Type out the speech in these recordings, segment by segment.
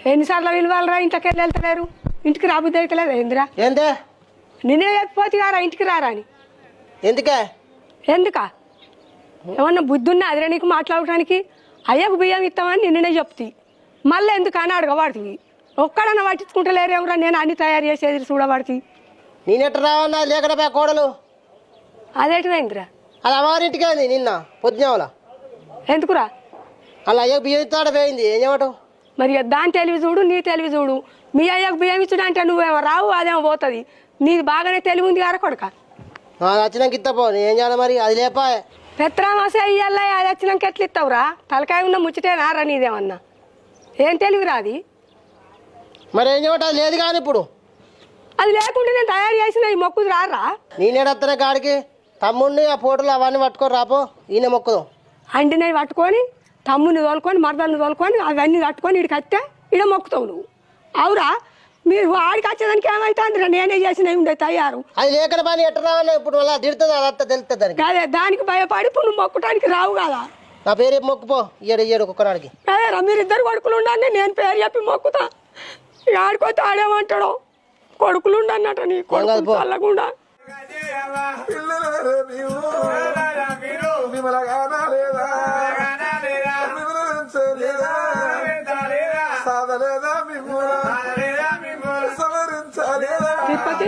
ఎన్నిసార్లు విలువాలరా ఇంట్లోకి వెళ్ళి వెళ్తలేరు ఇంటికి రాబుద్ది అవుతలేదు ఏందిరా ఏందే నిన్నే చెప్పిపోతే కారా ఇంటికి రారా అని ఎందుకే ఎందుకా ఏమన్నా బుద్ధి ఉన్నా అదిరా నీకు మాట్లాడటానికి అయ్యకు బియ్యం ఇస్తామని నిన్ననే చెప్తి మళ్ళీ ఎందుకని అడగబడుతుంది ఒక్కడన్నా పట్టించుకుంటలేరేమరా నేను అన్ని తయారు చేసేది చూడబడుతుంది నేనెట్ట రావన్నా లేకడా కోడలు అదేటిదైందిరా అది అమ్మగారింటికే ఉంది నిన్న పొద్దునేవల ఎందుకురా అలా అయ్యకు బియ్యం ఇస్తాడ పోయింది ఏం చేయటం మరి దాని తెలివి చూడు నీ తెలివి చూడు మీ అయ్యకు బియ్యం ఇచ్చుడు అంటే నువ్వేమో రావు అదేమో పోతుంది నీది బాగానే తెలివి ఉంది కారా కొడక వచ్చినాక ఇస్తపో ఏం చేయాలి మరి అది లేపా పెత్రామాసే అయ్యల్లా అది వచ్చినాక ఎట్లా ఇస్తావురా తలకాయ ఉన్న ముచ్చటేనా రా నీదేమన్నా ఏం తెలివిరా అది మరి ఏం చేయటం అది లేదు కానీ ఇప్పుడు అది లేకుండా నేను తయారు చేసిన ఈ మొక్కుది రారా నేనేడత్తనే కాడికి తమ్ముడిని ఆ ఫోటోలు అవన్నీ పట్టుకొని రాపో ఈయన మొక్కుదాం అండినవి పట్టుకొని తమ్ముని తోలుకొని మరదల్ని తోలుకొని అవన్నీ కట్టుకొని ఇడికి వస్తే ఇడ మొక్కుతావు నువ్వు అవురా మీరు ఆడికి వచ్చేదానికి ఏమవుతుందిరా నేనే చేసినవి ఉండే తయారు అది లేకడ పని ఎట్ట రావన్నా ఇప్పుడు అలా తిడుతుంది అదంతా తెలుస్తుంది దానికి అదే దానికి భయపడి ఇప్పుడు నువ్వు మొక్కటానికి రావు కదా నా పేరు చెప్పి మొక్కుపో ఇయ్యడు ఒక్కనాడికి అదేరా మీరిద్దరు కొడుకులు ఉండండి నేను పేరు చెప్పి మొక్కుతా ఇక ఆడిపోతే ఆడేమంటాడు కొడుకులు ఉండన్నట నీ కొడుకు చల్లకుండా తిరుపతి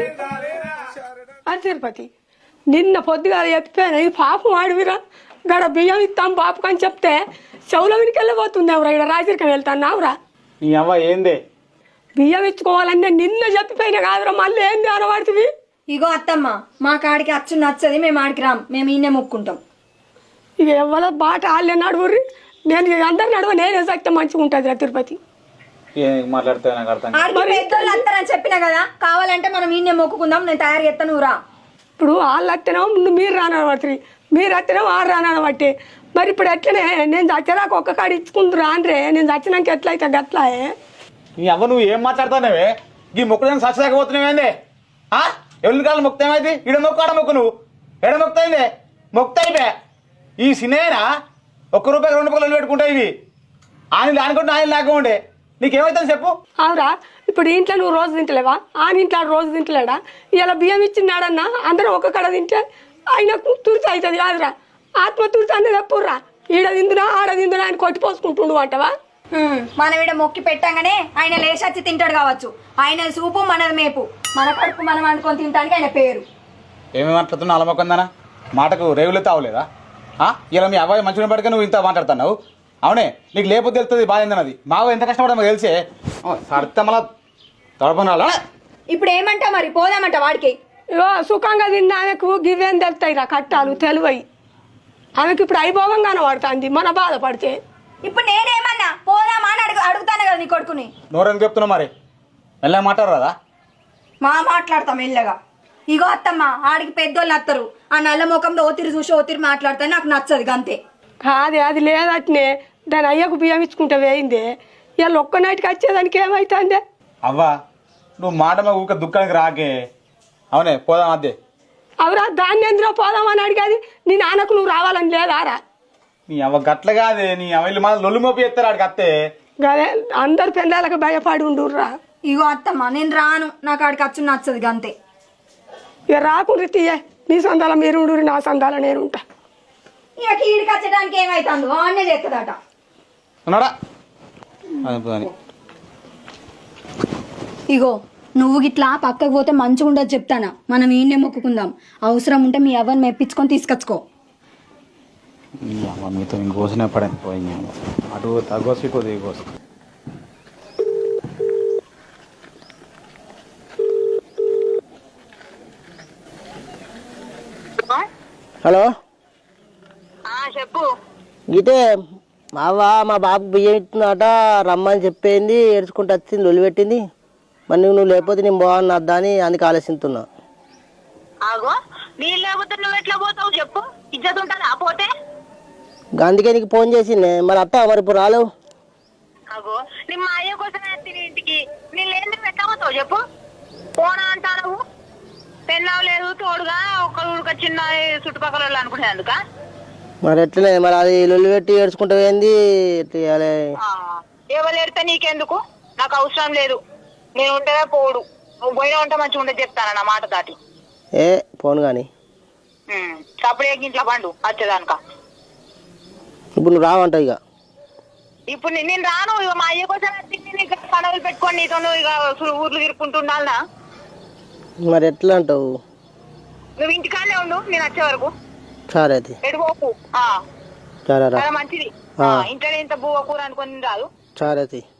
అది తిరుపతి నిన్న పొద్దుగా చెప్పాను ఈ పాపం ఆడివిరా గడ బియ్యం ఇస్తాం పాపకు అని చెప్తే చెవుల వినికి వెళ్ళిపోతుంది ఎవరా ఇక్కడ రాజరికం వెళ్తాను అవురా నీ అవ్వ ఏందే బియ్యం ఇచ్చుకోవాలంటే నిన్న చెప్పిపోయినా కాదురా మళ్ళీ ఏంది అనబడుతుంది ఇగో అత్తమ్మ మా కాడికి అచ్చు నచ్చది మేము ఆడికి రాం మేము ఈయనే మొక్కుంటాం ఇక ఎవరో బాట వాళ్ళే నడువుర్రి నేను అందరు నడువ నేనే సక్తే మంచిగా ఉంటుంది రా తిరుపతి మాట్లాడితే నాకు అర్థం ఆడికి పెద్దోళ్ళు వస్తారని చెప్పినా కదా కావాలంటే మనం ఈయనే మొక్కుకుందాం నేను తయారు చేస్తాను రా ఇప్పుడు వాళ్ళు వస్తేనేమో మీరు రానబడుతుంది మీరు వస్తేనేమో వాళ్ళు రానబట్టి మరి ఇప్పుడు ఎట్లనే నేను చచ్చేదాకా ఒక్క కాడ ఇచ్చుకుంటురా అంటే నేను చచ్చినాక ఎట్లయితే గట్లాయే నీ అవ్వ నువ్వు ఏం మాట్లాడుతున్నావే ఈ మొక్కడానికి సచ్చలేకపోతున్నావేందే ఎవరి కాలం మొక్కు ఏమైంది ఈడ మొక్కు ఆడ మొక్కు నువ్వు ఎడ మొక్కుతాయిందే మొక్కుతాయిపే ఈ సినేనా ₹1 ₹2 పెట్టుకుంటాయి ఇవి ఆయన అనుకుంటే ఆయన లేకుండే నీకేమవుతుంది చెప్పు అవురా ఇప్పుడు ఇంట్లో నువ్వు రోజు తింటలేవా ఆయన ఇంట్లో రోజు తింటలేడా ఇలా బియ్యం ఇచ్చినాడన్నా అందరూ ఒక్క కడ తింటే ఆయనకు తుర్చి అవుతుంది కాదురా ఆత్మ తుర్చి అనేది ఎప్పుడురా ఈడ తిందునా ఆడ తిందునా ఆయన కొట్టిపోసుకుంటుండు అంటవా మనం ఈడ మొక్కి పెట్టంగానే ఆయన లేచచ్చి తింటాడు కావచ్చు ఆయన సూపు మనది మేపు మన కడుపు మనం అనుకొని తింటానికి ఆయన పేరు ఏమేమి మాట్లాడుతున్నావు అలా మొక్కందానా మాటకు రేవులే తావలేదా ఇలా మీ అబ్బాయి మంచిగా పడితే నువ్వు ఇంత మాట్లాడుతున్నావు అవునే నీకు లేకపోతే తెలుస్తుంది బాధ ఏందన్నది మావ ఎంత కష్టపడమో తెలిసే సరిత మళ్ళా తడపనాలా ఇప్పుడు ఏమంటా మరి పోదామంట వాడికి ఇగో సుఖంగా తిన్న ఆమెకు గివేం తెలుస్తాయి రా కట్టాలు తెలివై ఆమెకి ఇప్పుడు అయిభోగంగానే పడుతుంది మన బాధపడితే ఇప్పుడు నేనేమన్నా పోదామా అని అడుగుతాను కదా నీ కొడుకుని నోరెందుకు చెప్తున్నావు మరి మెల్లగా మాట్లాడరాదా మాట్లాడతాం మెల్లగా ఇగో అత్తమ్మ ఆడికి పెద్దోళ్ళు వస్తారు ఆ నల్ల ముఖంలో ఓతిరి చూసి ఓతిరి మాట్లాడితే నాకు నచ్చదు అంతే కాదే అది లేదట్నే దాని అయ్యకు బియ్యం ఇచ్చుకుంటే వేయిందే ఇవాళ ఒక్క నైట్కి వచ్చేదానికి ఏమవుతుంది అవ్వా నువ్వు మాట మా ఊక దుఃఖానికి రాకే అవునే పోదాం అదే అవురా దాన్ని ఎందులో పోదామని అడిగేది నీ నాన్నకు నువ్వు రావాలని లేదారా నీ అవ్వ గట్ల కాదే నీ అవ్వ మళ్ళీ లొల్లు మోపి ఎత్తారు ఆడికి అత్తే గదే అందరు పిల్లలకు భయపడి ఉండుర్రా ఇగో అత్తమ్మ నేను రాను నాకు ఆడికి అచ్చు నచ్చదు అంతే ఇక రాకుండా తీయే నీ సందాల మీరు ఉండు నా సందాల నేను ఉంటా ఇక కీడికి వచ్చడానికి ఏమైతుందో అన్నే చేస్తుందట ఉన్నాడా ఇగో నువ్వు గిట్లా పక్కకు పోతే మంచిగా ఉండదు చెప్తానా మనం ఈయన్నే మొక్కుకుందాం అవసరం ఉంటే మీ అవ్వని మెప్పించుకొని తీసుకొచ్చుకో మీతో ఇంకోసనే పడని పోయింది అటు తగ్గోసి ఇటు దిగోసి హలో చెప్పు ఇదే మా బాబుకి బియ్యం ఇస్తుందట రమ్మని చెప్పింది ఏడ్చుకుంటూ వచ్చింది లొల్లి పెట్టింది మరి నువ్వు లేకపోతే నేను బాగున్నా వద్దా అని అందుకు ఆలోచిస్తున్నా ఆగో నేను లేకపోతే నువ్వు ఎట్లా పోతావు చెప్పు ఇజ్జత్ ఉంటుంది ఆ పోతే అందుకే నీకు ఫోన్ చేసిండే మరి అత్త మరి ఇప్పుడు రాలేవు ఆగో నీ మా అయ్య కోసం తిని ఇంటికి నేను లేని ఎట్లా పోతావు చెప్పు పోనా అంటావు పెళ్ళావు లేదు తోడుగా ఒక చిన్న చుట్టుపక్కల వాళ్ళు అనుకునే అందుక మరి ఎట్లనే మరి అది లొల్లి పెట్టి ఏడ్చుకుంటూ ఏంది ఎవరు ఎడితే నీకెందుకు నాకు అవసరం లేదు. నేను ఉంటేనే పోడు. నువ్వు పోయినా ఉంటే మంచిగా ఉండదు చెప్తాను నా మాట దాటి. ఏ పోను కానీ సపడే ఇంట్లో పండు వచ్చేదానిక. ఇప్పుడు నువ్వు రావంటావు ఇక. ఇప్పుడు నేను రాను. ఇక మా అయ్య కోసం ఇక్కడ పనులు పెట్టుకొని నీతో ఇక ఊర్లు తిరుక్కుంటున్నా. మరి ఎట్లా అంటావు? నువ్వు ఇంటికానే ఉండు నేను వచ్చే వరకు. సరే అది ఎడుకోకు. సరే రా. చాలా మంచిది. ఇంట్లో ఇంత బువ్వ కూర అనుకొని రాదు. సరే